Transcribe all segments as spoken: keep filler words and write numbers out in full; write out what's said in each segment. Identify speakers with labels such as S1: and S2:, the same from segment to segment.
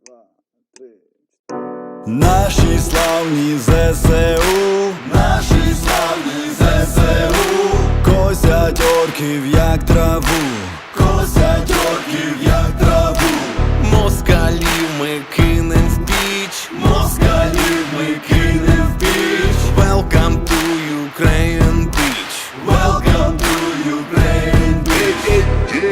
S1: два, три, чотири. Наші славні ЗСУ, наші славні ЗСУ, косять орків як траву, косять орків як траву.
S2: Москалів ми кинем в піч,
S1: Москалів ми кинем в піч.
S2: Welcome to Ukraine Beach.
S1: Welcome to Ukraine Beach.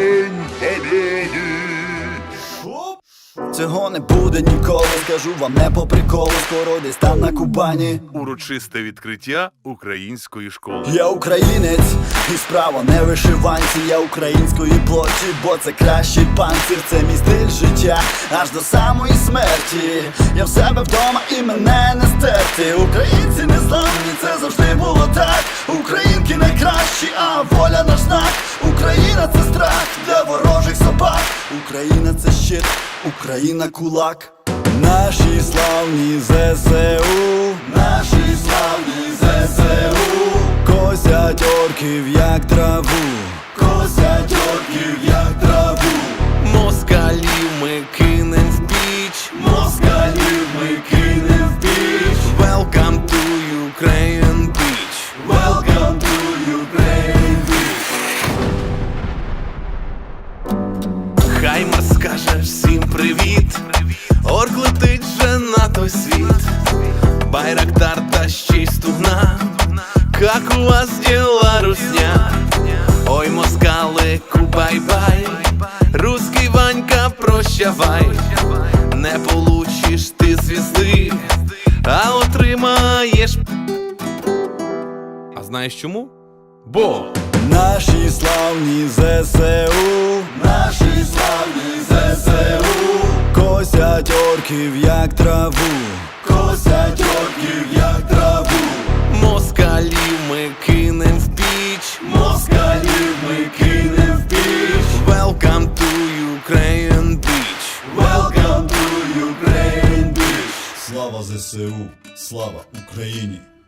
S1: Цього не буде ніколи, скажу вам не по приколу. Скоро десь там на Кубані
S3: Урочисте відкриття української школи.
S1: Я українець, і справа не вишиванці. Я української плоті, бо це кращий панцир. Це мій стиль життя, аж до самої смерті. Я в себе вдома і мене не стерти. Українці не зламні, це завжди було так. Українки найкращі, а воля наш знак. Україна це страх для ворожих собак. Україна це щит, Україна кулак. Наші славні ЗСУ, наші славні ЗСУ, косять орків як траву, косять орків як траву.
S2: Москалів ми кинем в піч,
S1: Москалів ми кинем в піч.
S2: Welcome to Ukraine Beach.
S1: Welcome to Ukraine Beach.
S2: Хаймар скаже всім привіт, орк летить вже на той світ. Байрактар та ще й стугна, как у вас діла, русня? Ой, москалику, бай-бай, русский Ванька, прощавай. Не получиш ти звізди, а отримаєш. А знаєш чому? Бо
S1: Наші славні ЗСУ, наші славні ЗСУ, косять орків як траву, косять орків як траву.
S2: москалів ми кинем в піч,
S1: Москалів ми кинем в піч.
S2: Welcome to Ukraine Beach.
S1: Welcome to Ukraine Beach. Слава ЗСУ, слава Україні.